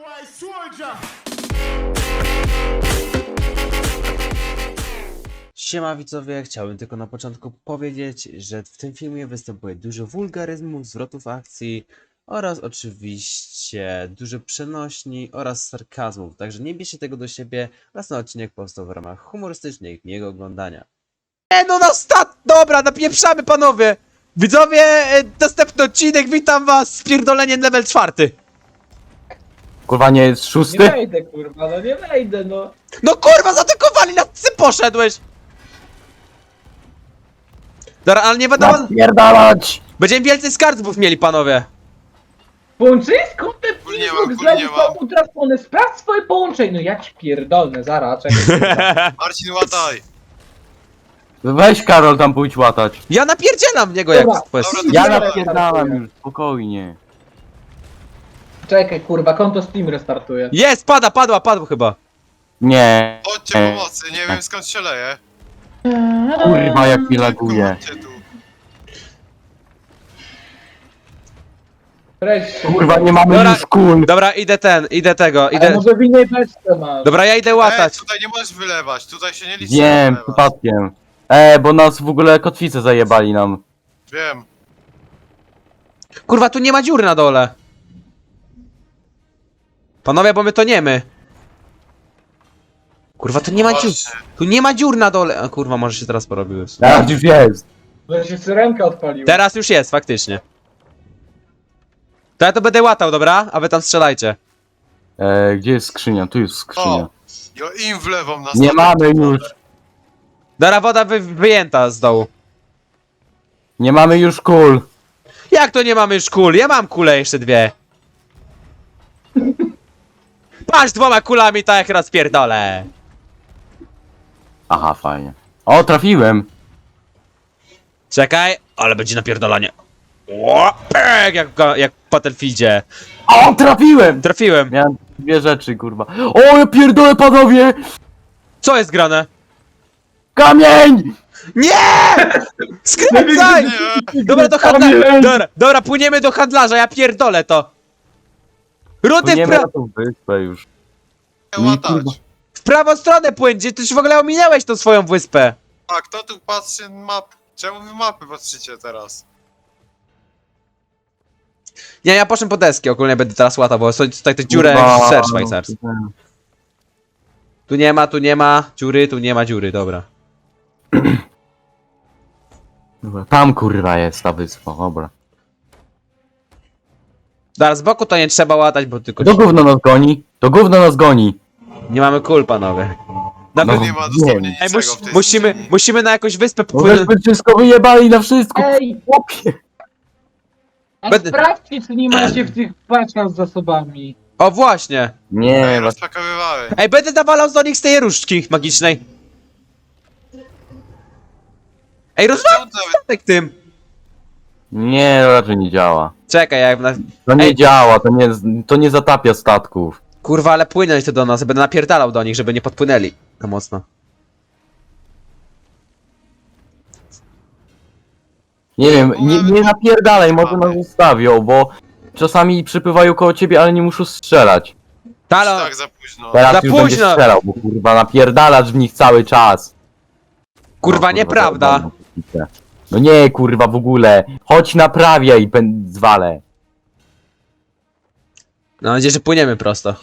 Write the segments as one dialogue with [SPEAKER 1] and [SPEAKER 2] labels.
[SPEAKER 1] Siema widzowie, chciałbym tylko na początku powiedzieć, że w tym filmie występuje dużo wulgaryzmów, zwrotów akcji oraz oczywiście dużo przenośni oraz sarkazmów, także nie bierzcie tego do siebie oraz ten odcinek powstał w ramach humorystycznych miłego oglądania. No na stat! Dobra, napieprzamy panowie! Widzowie, następny odcinek, witam was, spierdolenie level 4.
[SPEAKER 2] Kurwa, nie jest
[SPEAKER 3] Nie
[SPEAKER 2] szósty?
[SPEAKER 3] wejdę, kurwa, no nie wejdę, no.
[SPEAKER 1] No kurwa, zaatakowali nas, ty poszedłeś! Dobra, ale nie wiadomo,
[SPEAKER 2] Napierdalać!
[SPEAKER 1] będziemy więcej skarbów mieli panowie.
[SPEAKER 3] Połączysko?
[SPEAKER 4] Nie ma,
[SPEAKER 3] Pingok
[SPEAKER 4] kuli nie
[SPEAKER 3] zrobił
[SPEAKER 4] ma.
[SPEAKER 3] tą utracone. Sprawdź swoje połączenie. No ja ci pierdolę, zaraz, czekaj.
[SPEAKER 4] Marcin, łataj!
[SPEAKER 2] Weź Karol tam pójdź łatać.
[SPEAKER 1] Ja napierdzielam w niego jak
[SPEAKER 3] Dobra,
[SPEAKER 1] quest.
[SPEAKER 4] dobra,
[SPEAKER 2] Ja
[SPEAKER 3] Zaraz
[SPEAKER 2] napierdalam
[SPEAKER 3] startuję.
[SPEAKER 2] już, spokojnie.
[SPEAKER 3] Czekaj, kurwa, konto Steam restartuje.
[SPEAKER 1] Jest, padło chyba.
[SPEAKER 2] Nie.
[SPEAKER 4] Chodźcie pomocy, nie wiem skąd się leje.
[SPEAKER 2] Kurwa, jak mi laguje.
[SPEAKER 4] Chodźcie tu.
[SPEAKER 3] Wreszcie.
[SPEAKER 2] Kurwa, nie mamy
[SPEAKER 1] Dobra.
[SPEAKER 2] już kul.
[SPEAKER 1] Dobra, idę tego,
[SPEAKER 3] Ale
[SPEAKER 1] idę.
[SPEAKER 3] może w innej beczce masz.
[SPEAKER 1] Dobra, ja idę łatać.
[SPEAKER 4] Tutaj nie możesz wylewać, tutaj się nie liczy.
[SPEAKER 2] Wiem,
[SPEAKER 4] wylewać.
[SPEAKER 2] przypadkiem. Bo nas w ogóle kotwice zajebali nam.
[SPEAKER 4] Wiem.
[SPEAKER 1] Kurwa, tu nie ma dziur na dole. Panowie, bo my toniemy. Kurwa, tu nie ma dziur.
[SPEAKER 4] Właśnie.
[SPEAKER 1] Tu nie ma dziur na dole. A kurwa, może się teraz porobiły.
[SPEAKER 2] Teraz już jest.
[SPEAKER 3] Że się syrenka odpaliła.
[SPEAKER 1] Teraz już jest, faktycznie. To ja to będę łatał, dobra? A wy tam strzelajcie.
[SPEAKER 2] Gdzie jest skrzynia? Tu jest skrzynia.
[SPEAKER 4] O! Jo, im wlewą na
[SPEAKER 2] Nie
[SPEAKER 4] statek
[SPEAKER 2] mamy
[SPEAKER 4] wodę.
[SPEAKER 2] już.
[SPEAKER 1] Dobra, woda wyjęta z dołu.
[SPEAKER 2] Nie mamy już kul.
[SPEAKER 1] Jak to nie mamy już kul? Ja mam kulę jeszcze dwie. Patrz, 2 kulami, tak jak rozpierdolę.
[SPEAKER 2] Aha, fajnie. O, trafiłem.
[SPEAKER 1] Czekaj, ale będzie napierdolanie. O, pek, jak w Battlefieldzie.
[SPEAKER 2] O, trafiłem!
[SPEAKER 1] Trafiłem.
[SPEAKER 2] Miałem dwie rzeczy, kurwa. O, ja pierdolę, panowie!
[SPEAKER 1] Co jest grane?
[SPEAKER 2] Kamień!
[SPEAKER 1] Nie! Skręcaj!
[SPEAKER 4] Nie,
[SPEAKER 1] Dobra, do handlarza. Dobra, płyniemy do handlarza, ja pierdolę to. Rudy
[SPEAKER 2] Płyniemy na tą wyspę już.
[SPEAKER 4] nie łatać.
[SPEAKER 1] w prawą stronę płyń, gdzie ty już w ogóle ominęłeś tą swoją wyspę.
[SPEAKER 4] A kto tu patrzy na mapę? Czemu wy mapy patrzycie teraz?
[SPEAKER 1] Nie, ja poszłem po deski, ogólnie będę teraz łatał, bo są tutaj te dziurę
[SPEAKER 2] Kurwa.
[SPEAKER 1] ser szwajcarski. Tu nie ma dziury, tu nie ma dziury, dobra.
[SPEAKER 2] Dobra, tam kurwa jest ta wyspa, dobra.
[SPEAKER 1] Dobra, z boku to nie trzeba łatać, bo tylko
[SPEAKER 2] To gówno nas goni, to gówno nas goni.
[SPEAKER 1] nie mamy kul, panowie.
[SPEAKER 4] No
[SPEAKER 1] Nawet...
[SPEAKER 4] nie ma dosłownie
[SPEAKER 2] Ej,
[SPEAKER 1] Ej,
[SPEAKER 4] niczego w tej
[SPEAKER 1] musimy na jakąś wyspę
[SPEAKER 2] Bo
[SPEAKER 1] popłynąć.
[SPEAKER 2] żeśmy wszystko wyjebali na wszystko,
[SPEAKER 3] Ej,
[SPEAKER 2] chłopie.
[SPEAKER 3] a
[SPEAKER 1] Będę-
[SPEAKER 3] sprawdźcie, czy nie macie w tych paczkach z zasobami.
[SPEAKER 1] O, właśnie.
[SPEAKER 2] Nie,
[SPEAKER 4] Ej, rozpakowywałem.
[SPEAKER 1] Ej, będę nawalał do nich z tej różdżki magicznej. Ej, rozwal
[SPEAKER 4] Czemu to nawet
[SPEAKER 1] statek tym.
[SPEAKER 2] nie, to raczej nie działa.
[SPEAKER 1] Czekaj, jak na...
[SPEAKER 2] To nie
[SPEAKER 1] Ej.
[SPEAKER 2] działa, to nie zatapia statków.
[SPEAKER 1] Kurwa, ale płynąć to do nas, będę napierdalał do nich, żeby nie podpłynęli. To mocno.
[SPEAKER 2] Nie wiem, nie napierdalaj, może
[SPEAKER 4] Mamy.
[SPEAKER 2] nas zostawią, bo czasami przypływają koło ciebie, ale nie muszą strzelać.
[SPEAKER 1] Halo!
[SPEAKER 4] tak za późno?
[SPEAKER 2] Teraz
[SPEAKER 1] Za
[SPEAKER 2] już
[SPEAKER 1] późno.
[SPEAKER 2] będzie strzelał, bo kurwa napierdalasz w nich cały czas.
[SPEAKER 1] Kurwa,
[SPEAKER 2] No,
[SPEAKER 1] nieprawda.
[SPEAKER 2] dobra. No nie, kurwa, w ogóle. Chodź naprawiaj, zwalę.
[SPEAKER 1] Mam nadzieję, że płyniemy prosto.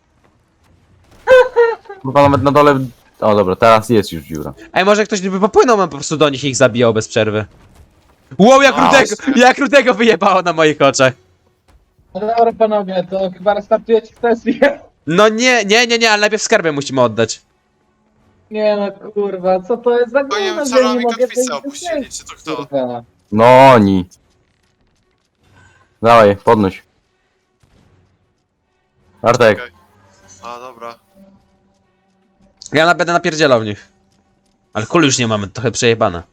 [SPEAKER 2] Kurwa, nawet na dole... O dobra, teraz jest już dziura.
[SPEAKER 1] Ej, może ktoś by popłynął, man po prostu do nich i ich zabijał bez przerwy. Wow, jak rudego wyjebało na moich oczach.
[SPEAKER 3] No dobra, panowie, to chyba restartujecie sesję.
[SPEAKER 1] No nie, ale najpierw skarbę musimy oddać.
[SPEAKER 3] Nie no, kurwa, co to jest za
[SPEAKER 4] To nie
[SPEAKER 3] gówno,
[SPEAKER 4] wiem, co
[SPEAKER 3] że nie
[SPEAKER 4] nami
[SPEAKER 3] mogę
[SPEAKER 4] kotwicę
[SPEAKER 3] tej
[SPEAKER 4] opuścili, czy to kto?
[SPEAKER 3] kurwa.
[SPEAKER 2] No oni. Dawaj, podnoś. Artek.
[SPEAKER 4] Okej. A, dobra.
[SPEAKER 1] Ja będę napierdzielał w nich. Ale kul już nie mamy, trochę przejebane.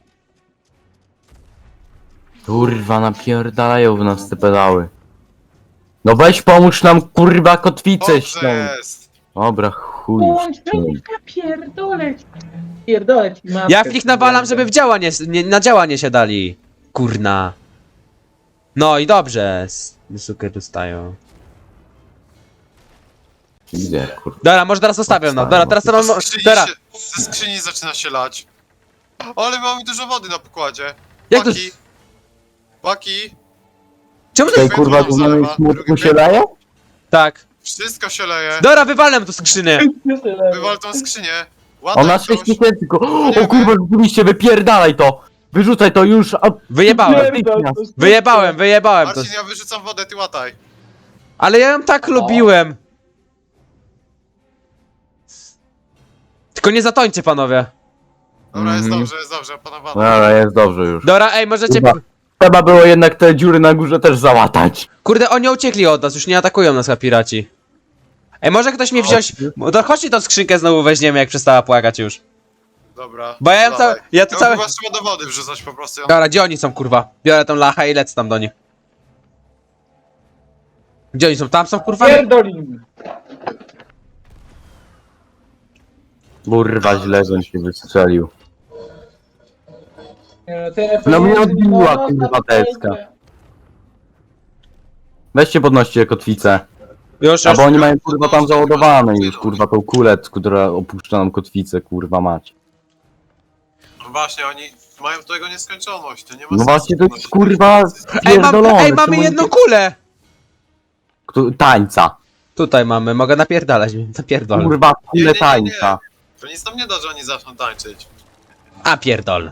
[SPEAKER 2] Kurwa, napierdalają w nas te pedały. No weź pomóż nam, kurwa, kotwicę
[SPEAKER 4] Dobrze
[SPEAKER 2] ściągnąć.
[SPEAKER 4] jest.
[SPEAKER 2] Dobra, chuj. już
[SPEAKER 3] Połączenie,
[SPEAKER 2] ściągnij.
[SPEAKER 3] pierdolę. Pierdolę ci matkę.
[SPEAKER 1] Ja w nich nawalam, żeby w na działanie się dali. Kurna. No i dobrze. Sukę dostają.
[SPEAKER 2] Gdzie, kurwa?
[SPEAKER 1] Dobra, może teraz zostawiam, no. Dobra, teraz to mam... Dobra,
[SPEAKER 4] Ze skrzyni zaczyna się lać. Ale mamy dużo wody na pokładzie.
[SPEAKER 1] jak to...
[SPEAKER 4] Paki. Paki.
[SPEAKER 1] Czemu to...
[SPEAKER 2] Tej kurwa gównianej smutku się leje?
[SPEAKER 1] Tak.
[SPEAKER 4] Wszystko się leje.
[SPEAKER 1] Dobra, wywalę tu skrzynię.
[SPEAKER 4] Wywal tą skrzynię. Ładaj
[SPEAKER 2] Ona
[SPEAKER 4] coś.
[SPEAKER 2] 6 tysięcy tylko. O kurwa, rzeczywiście, wypierdalaj to! Wyrzucaj to już! A...
[SPEAKER 1] Wyjebałem. Wyjebałem to.
[SPEAKER 4] Marcin, ja wyrzucam wodę, ty łataj.
[SPEAKER 1] Ale ja ją tak lubiłem. Tylko nie zatońcie, panowie.
[SPEAKER 4] Dobra,
[SPEAKER 2] Mhm.
[SPEAKER 4] jest dobrze, opanowane.
[SPEAKER 2] Dobra, jest dobrze już.
[SPEAKER 1] Dobra, ej, możecie...
[SPEAKER 2] Kurwa. Trzeba było jednak te dziury na górze też załatać.
[SPEAKER 1] Kurde, oni uciekli od nas, już nie atakują nas chyba piraci. Ej, może ktoś mnie wziąć... To chodźcie tą skrzynkę znowu weźmiemy, jak przestała płakać już.
[SPEAKER 4] Dobra.
[SPEAKER 1] Bo ja ją
[SPEAKER 4] dawaj.
[SPEAKER 1] całe... Ja to
[SPEAKER 4] Ją
[SPEAKER 1] całe...
[SPEAKER 4] chyba trzeba do wody wrzucać po prostu.
[SPEAKER 1] Dobra, gdzie oni są, kurwa? Biorę tą lachę i lecę tam do nich. Gdzie oni są? Tam są, kurwa?
[SPEAKER 3] Pierdolin.
[SPEAKER 2] Kurwa, źle, że się wystrzelił.
[SPEAKER 3] No
[SPEAKER 2] mnie odbiła, kurwa, deska. Weźcie podnoście kotwicę.
[SPEAKER 1] Już,
[SPEAKER 2] A
[SPEAKER 1] już.
[SPEAKER 2] bo oni mają kurwa tam załadowane już, kurwa tą kulę, która opuszcza nam kotwicę, kurwa mać.
[SPEAKER 4] No właśnie, oni mają tego nieskończoność, to nie ma
[SPEAKER 2] No
[SPEAKER 4] sensu.
[SPEAKER 2] właśnie to jest
[SPEAKER 4] podnosić
[SPEAKER 2] kurwa
[SPEAKER 1] Ej,
[SPEAKER 2] pierdolone.
[SPEAKER 1] ej, mamy jedną kulę!
[SPEAKER 2] Tańca.
[SPEAKER 1] Tutaj mamy, mogę napierdalać, napierdolę.
[SPEAKER 2] Kurwa,
[SPEAKER 4] Nie,
[SPEAKER 2] kulę
[SPEAKER 4] nie.
[SPEAKER 2] tańca.
[SPEAKER 4] To nic nam nie da, że oni zaczną tańczyć.
[SPEAKER 1] A pierdol.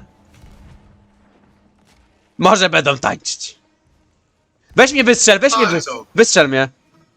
[SPEAKER 1] Może będą tańczyć. Weź mnie wystrzel,
[SPEAKER 4] Tańczą.
[SPEAKER 1] wystrzel mnie.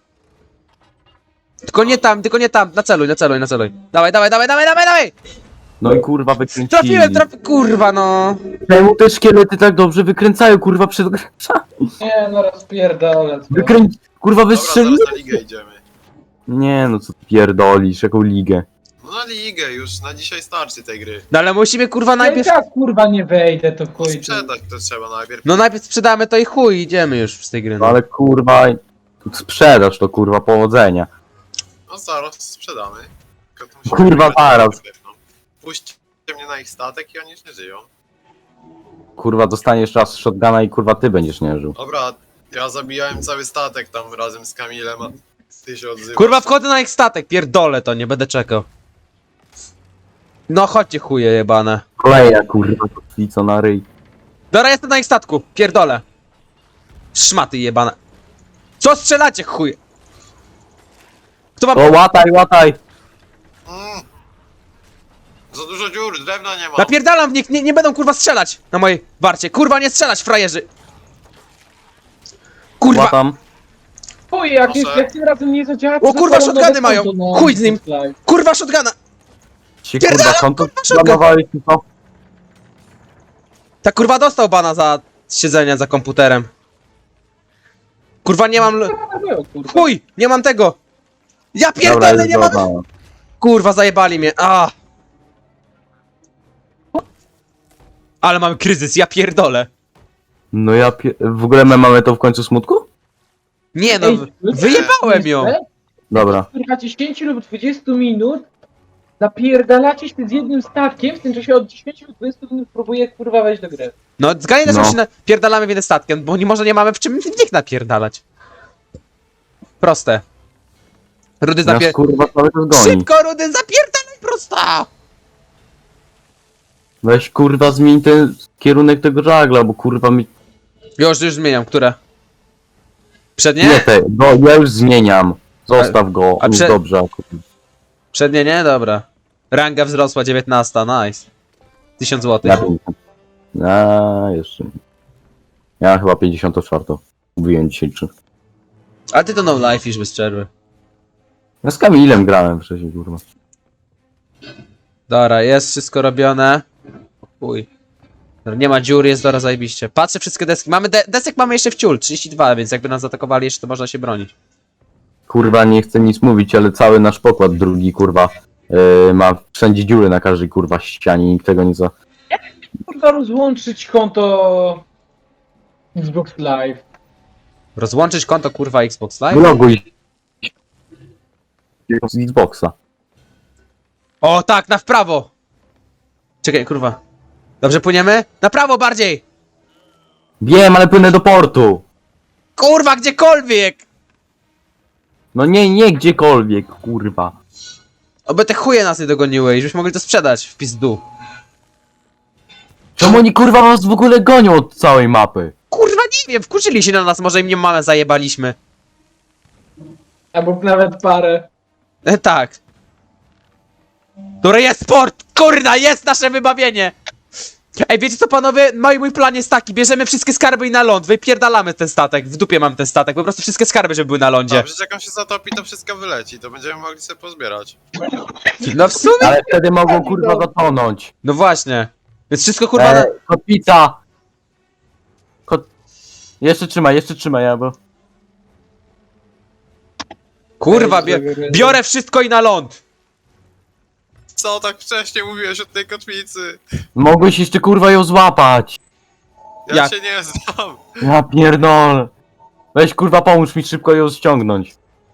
[SPEAKER 1] Tylko nie tam, naceluj. Dawaj.
[SPEAKER 2] No i kurwa wykręcili.
[SPEAKER 1] Trafiłem, kurwa no.
[SPEAKER 2] Czemu te szkielety tak dobrze wykręcają, kurwa przed...
[SPEAKER 3] Nie, no rozpierdolę.
[SPEAKER 2] Kurwa
[SPEAKER 4] Dobra,
[SPEAKER 2] wystrzeli?
[SPEAKER 4] zaraz na ligę idziemy.
[SPEAKER 2] Nie no co ty pierdolisz, jaką ligę.
[SPEAKER 4] No na ligę już, na dzisiaj starczy tej gry.
[SPEAKER 1] No ale musimy kurwa najpierw...
[SPEAKER 3] Jak kurwa nie wejdę, to chuj.
[SPEAKER 4] Sprzedać to trzeba najpierw.
[SPEAKER 1] No najpierw sprzedamy to i chuj, idziemy już z tej gry.
[SPEAKER 2] No
[SPEAKER 1] No.
[SPEAKER 2] ale kurwa... Sprzedaż to kurwa, powodzenia.
[SPEAKER 4] No zaraz sprzedamy. Tylko to musimy
[SPEAKER 2] Kurwa,
[SPEAKER 4] wygrać
[SPEAKER 2] zaraz.
[SPEAKER 4] na pewno. Puśćcie mnie na ich statek i oni już nie żyją.
[SPEAKER 2] Kurwa dostaniesz raz shotguna i kurwa ty będziesz nie żył.
[SPEAKER 4] Dobra, ja zabijałem cały statek tam razem z Kamilem, a ty się odzywasz.
[SPEAKER 1] Kurwa wchodzę na ich statek, pierdolę to, nie będę czekał. No chodźcie chuje jebane.
[SPEAKER 2] Kolejna kurwa kotwica na ryj.
[SPEAKER 1] Dobra, jestem na ich statku, pierdolę. Szmaty jebane. Co strzelacie chuje? Kto ma...
[SPEAKER 2] O łataj!
[SPEAKER 4] Mm. Za dużo dziur, drewna nie ma.
[SPEAKER 1] Napierdalam w nich, nie będą kurwa strzelać na mojej warcie. Kurwa nie strzelać, frajerzy. Kurwa.
[SPEAKER 2] Łatam.
[SPEAKER 3] Chuj, jak
[SPEAKER 4] Proszę.
[SPEAKER 3] tym razem nie zadziała...
[SPEAKER 1] O, kurwa,
[SPEAKER 3] to
[SPEAKER 1] shotguny
[SPEAKER 3] nowe
[SPEAKER 1] mają.
[SPEAKER 3] konto, no.
[SPEAKER 1] Chuj z nim. Kurwa shotguna.
[SPEAKER 2] Się
[SPEAKER 1] Pierdalam,
[SPEAKER 2] kurwa konto
[SPEAKER 1] kurwa, shotgun.
[SPEAKER 2] planowałeś to?
[SPEAKER 1] Ta kurwa dostał bana za siedzenie za komputerem. Kurwa nie mam...
[SPEAKER 3] Kurwa.
[SPEAKER 1] Chuj, nie mam tego. Ja
[SPEAKER 2] Dobra,
[SPEAKER 1] pierdolę,
[SPEAKER 2] jest
[SPEAKER 1] nie mam...
[SPEAKER 2] dobra.
[SPEAKER 1] Kurwa zajebali mnie, Ale mamy kryzys, ja pierdolę.
[SPEAKER 2] No ja w ogóle my mamy to w końcu smutku?
[SPEAKER 1] Nie no,
[SPEAKER 3] Ej,
[SPEAKER 1] wyjebałem ją.
[SPEAKER 2] Dobra.
[SPEAKER 3] Kurwa 10 lub 20 minut napierdalacie się z jednym statkiem, w tym czasie od 10 lub 20 minut próbuję kurwa wejść do gry.
[SPEAKER 1] No zgadnij też,
[SPEAKER 2] No.
[SPEAKER 1] że się napierdalamy w jeden statkiem, bo może nie mamy w czym w nich napierdalać. Proste. Rudy
[SPEAKER 2] Nas kurwa cały czas goni.
[SPEAKER 1] Szybko, Rudy, zapierdalaj prosta!
[SPEAKER 2] Weź kurwa zmień ten kierunek tego żagla, bo kurwa mi...
[SPEAKER 1] Już zmieniam, które? Przednie?
[SPEAKER 2] Nie te, bo ja już zmieniam. Zostaw go,
[SPEAKER 1] A
[SPEAKER 2] już
[SPEAKER 1] prze-
[SPEAKER 2] dobrze.
[SPEAKER 1] Przednie nie? Dobra. Ranga wzrosła, 19, nice. 1000 zł.
[SPEAKER 2] Ja jeszcze nie. Ja chyba 54. Mówiłem dzisiaj czy.
[SPEAKER 1] A ty to no life już bez przerwy.
[SPEAKER 2] Ja z Kamilem grałem wcześniej, kurwa.
[SPEAKER 1] Dobra, jest wszystko robione. Uj. Dobra, nie ma dziur, jest dobra zajebiście. Patrzę wszystkie deski. Mamy desek mamy jeszcze w ciul, 32, więc jakby nas zaatakowali jeszcze, to można się bronić.
[SPEAKER 2] Kurwa, nie chcę nic mówić, ale cały nasz pokład drugi, kurwa, ma wszędzie dziury na każdej, kurwa, ścianie, nikt tego nie za...
[SPEAKER 3] Kurwa rozłączyć konto Xbox Live.
[SPEAKER 1] Rozłączyć konto kurwa Xbox Live?
[SPEAKER 2] Wyloguj z Xboxa.
[SPEAKER 1] O tak, na w prawo! Czekaj, kurwa. Dobrze płyniemy? Na prawo bardziej!
[SPEAKER 2] Wiem, ale płynę do portu.
[SPEAKER 1] Kurwa, gdziekolwiek!
[SPEAKER 2] No nie gdziekolwiek, kurwa.
[SPEAKER 1] Oby te chuje nas nie dogoniły i żebyśmy mogli to sprzedać w pizdu.
[SPEAKER 2] Czemu oni kurwa was w ogóle gonią od całej mapy?
[SPEAKER 1] Kurwa nie wiem, wkurzyli się na nas, może im nie mamę zajebaliśmy.
[SPEAKER 3] Albo nawet parę.
[SPEAKER 1] Tak. Dobra, jest sport! Kurna, jest nasze wybawienie! Ej, wiecie co panowie? Mój plan jest taki, bierzemy wszystkie skarby i na ląd, wypierdalamy ten statek, w dupie mam ten statek, po prostu wszystkie skarby, żeby były na lądzie.
[SPEAKER 4] Dobrze, że jak on się zatopi, to wszystko wyleci, to będziemy mogli sobie pozbierać.
[SPEAKER 1] No w sumie...
[SPEAKER 2] Ale wtedy mogą kurwa zatonąć.
[SPEAKER 1] No właśnie. Więc wszystko kurwa na...
[SPEAKER 2] Kotwica! Jeszcze trzymaj, ja bo...
[SPEAKER 1] Kurwa, biorę wszystko i na ląd!
[SPEAKER 4] Co tak wcześnie mówiłeś o tej kotwicy?
[SPEAKER 2] Mogłeś jeszcze kurwa ją złapać.
[SPEAKER 4] Ja
[SPEAKER 1] Jak?
[SPEAKER 4] się nie znam.
[SPEAKER 2] Ja pierdolę. Weź kurwa pomóż mi szybko ją ściągnąć.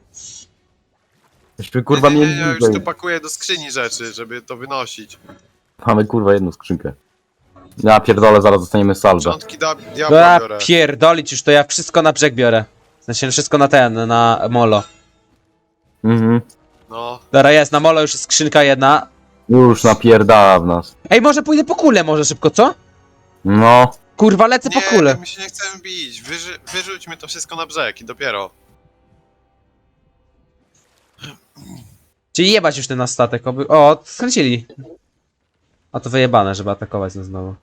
[SPEAKER 2] Myśmy kurwa
[SPEAKER 4] nie,
[SPEAKER 2] mieli
[SPEAKER 4] już
[SPEAKER 2] bliżej.
[SPEAKER 4] tu pakuję do skrzyni rzeczy, żeby to wynosić.
[SPEAKER 2] Mamy kurwa jedną skrzynkę. Ja pierdolę, zaraz dostaniemy salwę.
[SPEAKER 4] Początki diabła
[SPEAKER 1] Dobra,
[SPEAKER 4] biorę.
[SPEAKER 1] pierdolić już to ja wszystko na brzeg biorę. W sensie wszystko na ten, na molo.
[SPEAKER 2] Mhm.
[SPEAKER 4] No,
[SPEAKER 1] Dobra, jest, na molo już jest skrzynka jedna.
[SPEAKER 2] Już napierdala w nas.
[SPEAKER 1] Ej, może pójdę po kulę może szybko, co?
[SPEAKER 2] No.
[SPEAKER 1] Kurwa, lecę po
[SPEAKER 4] nie,
[SPEAKER 1] kulę.
[SPEAKER 4] my się nie chcemy bić. Wyrzućmy to wszystko na brzeg i dopiero.
[SPEAKER 1] Czyli jebać już ten nasz statek, oby... O, skręcili. A to wyjebane, żeby atakować nas znowu.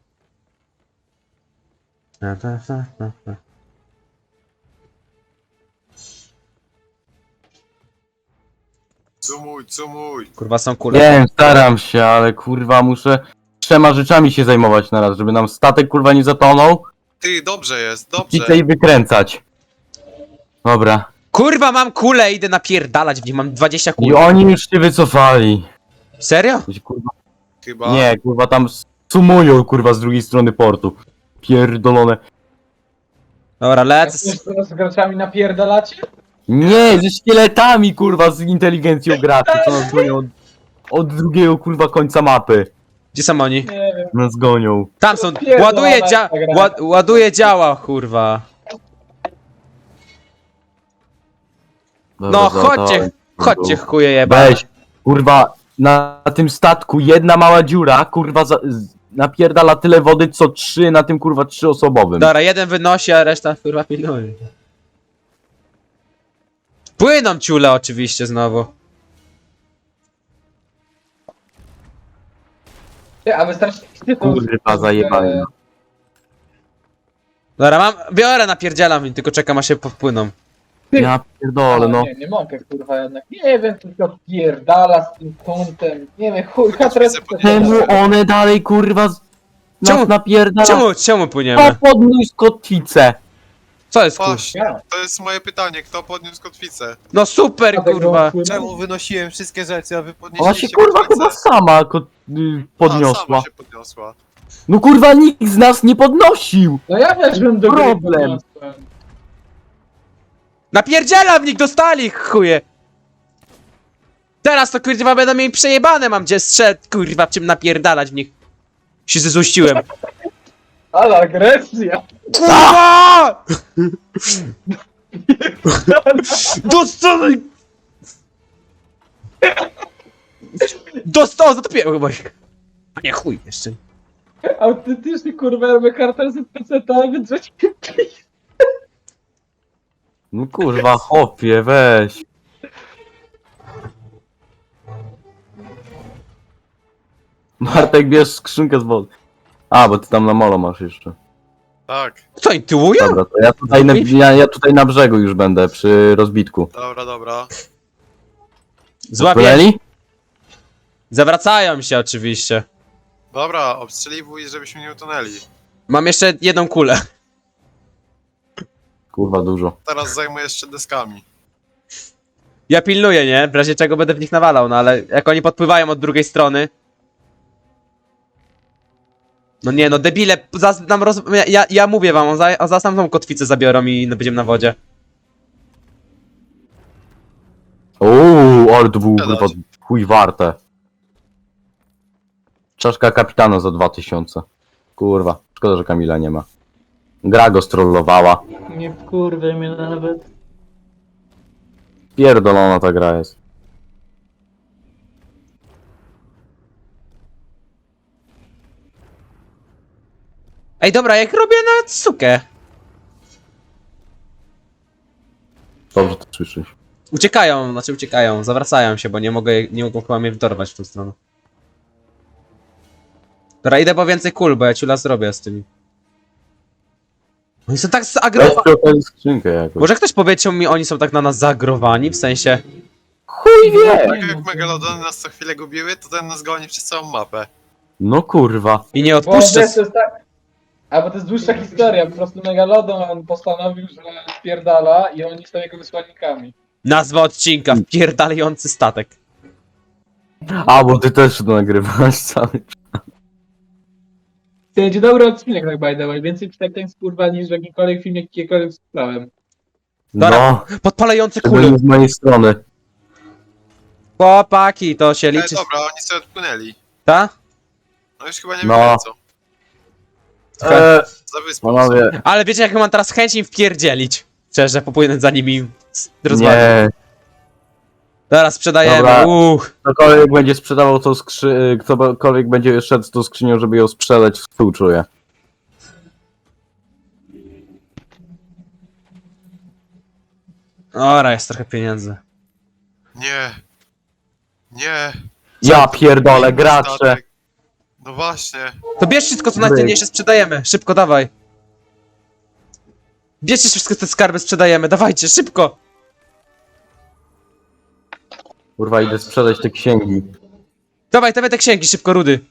[SPEAKER 4] Cumuj.
[SPEAKER 1] Kurwa, są kule.
[SPEAKER 2] Wiem, staram się, ale kurwa muszę 3 rzeczami się zajmować na raz, żeby nam statek kurwa nie zatonął
[SPEAKER 4] Ty, dobrze jest,
[SPEAKER 2] i
[SPEAKER 4] dobrze.
[SPEAKER 2] tej wykręcać. Dobra.
[SPEAKER 1] Kurwa, mam kulę, idę napierdalać w nich, mam 20
[SPEAKER 2] I
[SPEAKER 1] kul.
[SPEAKER 2] oni już się wycofali.
[SPEAKER 1] Serio?
[SPEAKER 2] Kurwa,
[SPEAKER 4] Chyba.
[SPEAKER 2] nie, kurwa tam sumują kurwa z drugiej strony portu. Pierdolone.
[SPEAKER 1] Dobra,
[SPEAKER 3] Jak
[SPEAKER 1] lecę.
[SPEAKER 3] z graczami napierdalacie?
[SPEAKER 2] Nie, ze szkieletami kurwa z inteligencją graczy, co nas gonią od drugiego kurwa końca mapy.
[SPEAKER 1] Gdzie są oni?
[SPEAKER 3] Nie wiem.
[SPEAKER 2] Nas gonią.
[SPEAKER 1] Tam są.
[SPEAKER 3] Pierdolona
[SPEAKER 1] Ładuje
[SPEAKER 3] ta gra.
[SPEAKER 1] ładuje działa, kurwa.
[SPEAKER 2] Dobra,
[SPEAKER 1] No,
[SPEAKER 2] załadowałem.
[SPEAKER 1] chodźcie, chuje jeba.
[SPEAKER 2] Weź, kurwa, na tym statku jedna mała dziura, kurwa, napierdala tyle wody, co 3 na tym, kurwa, 3-osobowym.
[SPEAKER 1] Dobra, jeden wynosi, a reszta kurwa pilnuje. Płyną ciule oczywiście znowu.
[SPEAKER 3] Ty, a wystarczy...
[SPEAKER 2] Kurwa, zajebany.
[SPEAKER 1] Dobra, biorę, napierdzielam i tylko czekam aż się popłyną.
[SPEAKER 2] Ja pierdolę, no.
[SPEAKER 3] Nie mogę kurwa jednak. Nie wiem, tylko pierdala z tym kątem. Nie wiem, chuj, katres...
[SPEAKER 2] Czemu one dalej, kurwa,
[SPEAKER 1] Czemu-
[SPEAKER 2] nas napierdala?
[SPEAKER 1] Czemu
[SPEAKER 2] Kto
[SPEAKER 1] płyniemy?
[SPEAKER 2] podniósł kotwicę?
[SPEAKER 1] Co jest kurwa?
[SPEAKER 4] Właśnie, to jest moje pytanie, kto podniósł kotwicę?
[SPEAKER 1] No super, kurwa.
[SPEAKER 4] Czemu wynosiłem wszystkie rzeczy, a wy
[SPEAKER 2] Ona
[SPEAKER 4] podnieśliście
[SPEAKER 2] się, kurwa,
[SPEAKER 4] kotwicę?
[SPEAKER 2] chyba sama
[SPEAKER 4] A,
[SPEAKER 2] podniosła.
[SPEAKER 4] sama się podniosła.
[SPEAKER 2] No, kurwa, nikt z nas nie podnosił.
[SPEAKER 3] No ja weszłem do gry.
[SPEAKER 2] Problem.
[SPEAKER 3] podniosłem.
[SPEAKER 1] Napierdzielam w nich, dostali chuje. Teraz to kurwa będą mieli przejebane, mam gdzie strzec, kurwa, w czym napierdalać w nich. Się zezuściłem.
[SPEAKER 3] Ale agresja.
[SPEAKER 1] Kurwa! Dostali! Dostał, zatopiłem chyba ich. A nie, chuj jeszcze.
[SPEAKER 3] Autentycznie kurwa, robię kartę z PC-ta, więc weź...
[SPEAKER 2] No, kurwa, chopie, weź. Bartek, bierz skrzynkę z wody. A, bo ty tam na molo masz jeszcze.
[SPEAKER 4] Tak,
[SPEAKER 1] Co, oni tyłują?
[SPEAKER 2] Dobra, to ja tutaj na brzegu już będę, przy rozbitku.
[SPEAKER 4] dobra.
[SPEAKER 1] Złapię.
[SPEAKER 2] Płynęli?
[SPEAKER 1] Zawracają się oczywiście.
[SPEAKER 4] Dobra, obstrzeliwuj, żebyśmy nie utonęli.
[SPEAKER 1] Mam jeszcze jedną kulę.
[SPEAKER 2] Kurwa, dużo.
[SPEAKER 4] Teraz zajmuję się deskami.
[SPEAKER 1] Ja pilnuję, nie? W razie czego będę w nich nawalał, no ale jak oni podpływają od drugiej strony. No nie, no debile, ja mówię wam, zaraz nam tą kotwicę zabiorą i będziemy na wodzie.
[SPEAKER 2] Ale to był kurwa chuj warte. Czaszka kapitana za 2000. Kurwa, szkoda, że Kamila nie ma. Gra go strollowała.
[SPEAKER 3] Nie wkurwaj mnie nawet.
[SPEAKER 2] Pierdolona ta gra jest.
[SPEAKER 1] Ej, dobra, jak robię na sukę.
[SPEAKER 2] Dobrze to słyszysz.
[SPEAKER 1] Uciekają, zawracają się, bo nie mogą chyba mnie wdorwać w tą stronę. Dobra, idę po więcej kul, bo ja ciula zrobię z tymi. Oni są tak
[SPEAKER 2] Weź
[SPEAKER 1] zaagrowani.
[SPEAKER 2] przy okazji skrzynkę jakoś.
[SPEAKER 1] Może ktoś powiedział mi, oni są tak na nas zaagrowani, w sensie...
[SPEAKER 2] Chuj wie!
[SPEAKER 4] Tak jak Megalodony nas co chwilę gubiły, to ten nas goni przez całą mapę.
[SPEAKER 2] No kurwa.
[SPEAKER 1] I nie
[SPEAKER 3] Bo
[SPEAKER 1] odpuszczę.
[SPEAKER 3] to jest tak... A bo to jest dłuższa historia, po prostu Megalodon on postanowił, że spierdala i oni są jego wysłannikami.
[SPEAKER 1] Nazwa odcinka, wpierdalający statek.
[SPEAKER 2] A, bo ty też to nagrywasz cały.
[SPEAKER 3] To będzie dobry odcinek, tak by the way. Więcej przekleństw kurwa niż w jakimkolwiek filmie, jakiekolwiek słyszałem.
[SPEAKER 2] No,
[SPEAKER 1] Podpalające
[SPEAKER 2] to
[SPEAKER 1] kule.
[SPEAKER 2] nie z mojej strony.
[SPEAKER 1] Chłopaki, to się liczy.
[SPEAKER 4] Dobra, oni sobie odpłynęli.
[SPEAKER 1] Ta?
[SPEAKER 4] No już chyba nie
[SPEAKER 2] No.
[SPEAKER 4] wiem co. Za wyspą.
[SPEAKER 2] Panowie,
[SPEAKER 1] Ale wiecie, jak mam teraz chęć im wpierdzielić. Szczerze, popłynąć za nimi rozwalić.
[SPEAKER 2] nie.
[SPEAKER 1] Teraz sprzedajemy.
[SPEAKER 2] Dobra. Ktokolwiek będzie sprzedawał tą ktokolwiek będzie szedł z tą skrzynią, żeby ją sprzedać, współczuję.
[SPEAKER 1] Ora, jest trochę pieniędzy.
[SPEAKER 4] Nie. Nie.
[SPEAKER 2] Ja pierdolę, gracze.
[SPEAKER 4] Statek. No właśnie.
[SPEAKER 1] To bierz wszystko, co najcenniejsze, sprzedajemy. Szybko, dawaj. Bierzcie wszystko, te skarby, sprzedajemy. Dawajcie, szybko.
[SPEAKER 2] Kurwa, idę sprzedać te księgi.
[SPEAKER 1] Dawaj, te księgi, szybko, rudy.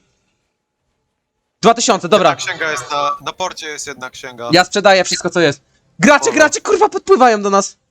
[SPEAKER 1] 2000, dobra.
[SPEAKER 4] Jedna księga jest na porcie jest jedna księga.
[SPEAKER 1] Ja sprzedaję wszystko, co jest. Gracze, kurwa, podpływają do nas.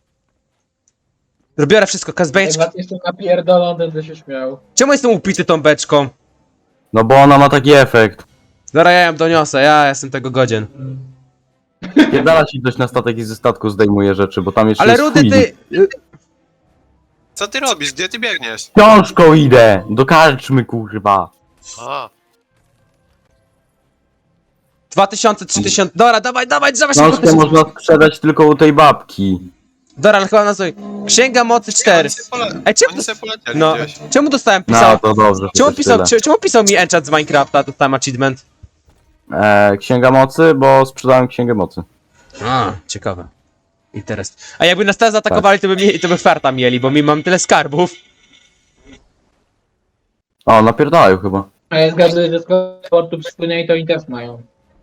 [SPEAKER 1] Biorę wszystko,
[SPEAKER 3] Jak
[SPEAKER 1] kazbeczki.
[SPEAKER 3] was jeszcze napierdolą, będę się śmiał.
[SPEAKER 1] Czemu jestem upity tą beczką?
[SPEAKER 2] No bo ona ma taki efekt.
[SPEAKER 1] Dobra, ja ją doniosę, ja jestem tego godzien.
[SPEAKER 2] Pierdala ci ktoś na statek i ze statku zdejmuje rzeczy, bo tam jeszcze
[SPEAKER 1] Ale
[SPEAKER 2] jest
[SPEAKER 1] rudy,
[SPEAKER 2] chuj.
[SPEAKER 1] ty...
[SPEAKER 4] Co ty robisz? Gdzie ty biegniesz?
[SPEAKER 2] Książką idę! Do karczmy, kurwa.
[SPEAKER 4] A,
[SPEAKER 1] 2000, 3000... Dobra, dawaj, szybko.
[SPEAKER 2] Książkę można sprzedać tylko u tej babki.
[SPEAKER 1] Dobra, ale chyba nazwij. Księga mocy 4. Ej, czemu...
[SPEAKER 4] Oni sobie polecieli
[SPEAKER 1] No,
[SPEAKER 4] gdzieś.
[SPEAKER 1] czemu dostałem
[SPEAKER 2] No
[SPEAKER 1] pisał...
[SPEAKER 2] to dobrze.
[SPEAKER 1] Czemu
[SPEAKER 2] chociaż
[SPEAKER 1] pisał,
[SPEAKER 2] tyle.
[SPEAKER 1] czemu pisał mi enchant z Minecrafta, dostałem achievement?
[SPEAKER 2] Księga mocy, bo sprzedałem księgę mocy.
[SPEAKER 1] A, ciekawe. Interes. A jakby nas teraz zaatakowali, to by farta mieli, bo mi mam tyle skarbów.
[SPEAKER 2] O, napierdalają chyba.
[SPEAKER 3] A ja zgaduję, że skoro z portu przypłynęli, to oni też mają.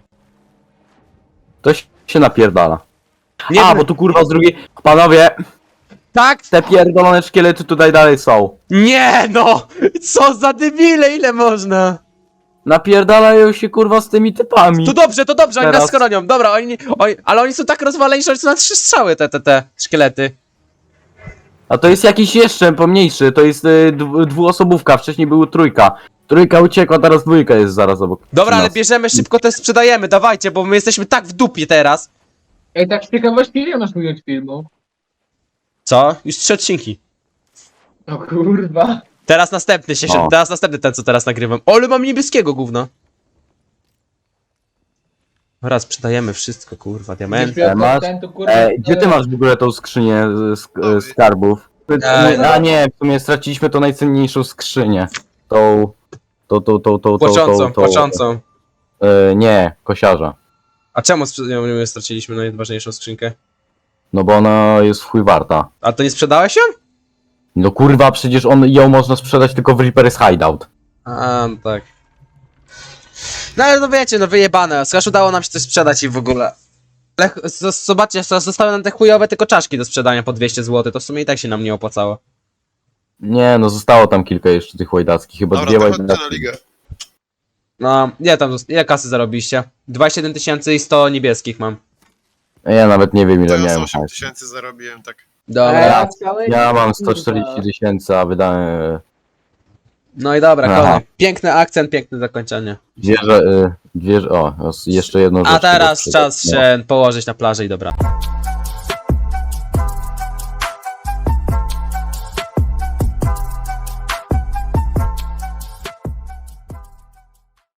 [SPEAKER 2] To się napierdala.
[SPEAKER 1] Nie
[SPEAKER 2] A,
[SPEAKER 1] wiem-
[SPEAKER 2] bo tu kurwa z drugiej... Panowie,
[SPEAKER 1] Tak?
[SPEAKER 2] te pierdolone szkielety tutaj dalej są.
[SPEAKER 1] Nie no! Co za debile, ile można?
[SPEAKER 2] Napierdalają się kurwa z tymi typami.
[SPEAKER 1] To dobrze, oni nas
[SPEAKER 2] Teraz.
[SPEAKER 1] schronią. Dobra, ale oni są tak rozwaleni, że oni są na 3 strzały, te szkielety.
[SPEAKER 2] A to jest jakiś jeszcze pomniejszy, to jest dwuosobówka, wcześniej była trójka. Trójka uciekła, teraz dwójka jest zaraz obok.
[SPEAKER 1] Dobra, ale
[SPEAKER 2] nas.
[SPEAKER 1] bierzemy szybko, te sprzedajemy, dawajcie, bo my jesteśmy tak w dupie teraz.
[SPEAKER 3] Ej, tak z ciekawości, ile masz minut filmu?
[SPEAKER 1] Co? Już 3 odcinki.
[SPEAKER 3] O kurwa.
[SPEAKER 1] Teraz następny się,
[SPEAKER 2] O.
[SPEAKER 1] teraz następny ten, co teraz nagrywam. O, ale mam niebieskiego gówno. Dobra, sprzedajemy wszystko, kurwa, diamenty.
[SPEAKER 2] Masz?
[SPEAKER 3] Kurwa,
[SPEAKER 2] Gdzie ty masz w ogóle tą skrzynię skarbów? A nie, w sumie straciliśmy tą najcenniejszą skrzynię. Tą.
[SPEAKER 1] Płaczącą.
[SPEAKER 2] Nie, kosiarza.
[SPEAKER 1] A czemu straciliśmy najważniejszą skrzynkę?
[SPEAKER 2] No bo ona jest w chuj warta.
[SPEAKER 1] A to nie sprzedałeś ją?
[SPEAKER 2] No kurwa, przecież ją można sprzedać tylko w Reaper's Hideout.
[SPEAKER 1] A, no tak. No ale no wiecie, no wyjebane. Skoro udało nam się coś sprzedać i w ogóle. Ale zobaczcie, zostały nam te chujowe tylko czaszki do sprzedania po 200 zł, to w sumie i tak się nam nie opłacało.
[SPEAKER 2] Nie, no zostało tam kilka jeszcze tych łajdackich, chyba
[SPEAKER 4] Dobra,
[SPEAKER 2] dwie
[SPEAKER 4] to chodźcie na
[SPEAKER 2] łajdackie.
[SPEAKER 4] ligę.
[SPEAKER 1] No, ile kasy zarobiliście? 27 100 niebieskich mam.
[SPEAKER 2] Ja nawet nie wiem
[SPEAKER 4] To
[SPEAKER 2] ile
[SPEAKER 4] ja z
[SPEAKER 2] miałem.
[SPEAKER 4] 8000 zarobiłem, tak.
[SPEAKER 1] Dobra.
[SPEAKER 2] Ja mam 140 000, a wydałem...
[SPEAKER 1] No i dobra,
[SPEAKER 2] Aha.
[SPEAKER 1] koniec. Piękny akcent, piękne zakończenie.
[SPEAKER 2] Jeszcze jedną rzecz.
[SPEAKER 1] A teraz
[SPEAKER 2] chyba
[SPEAKER 1] czas się położyć na plaży i dobra.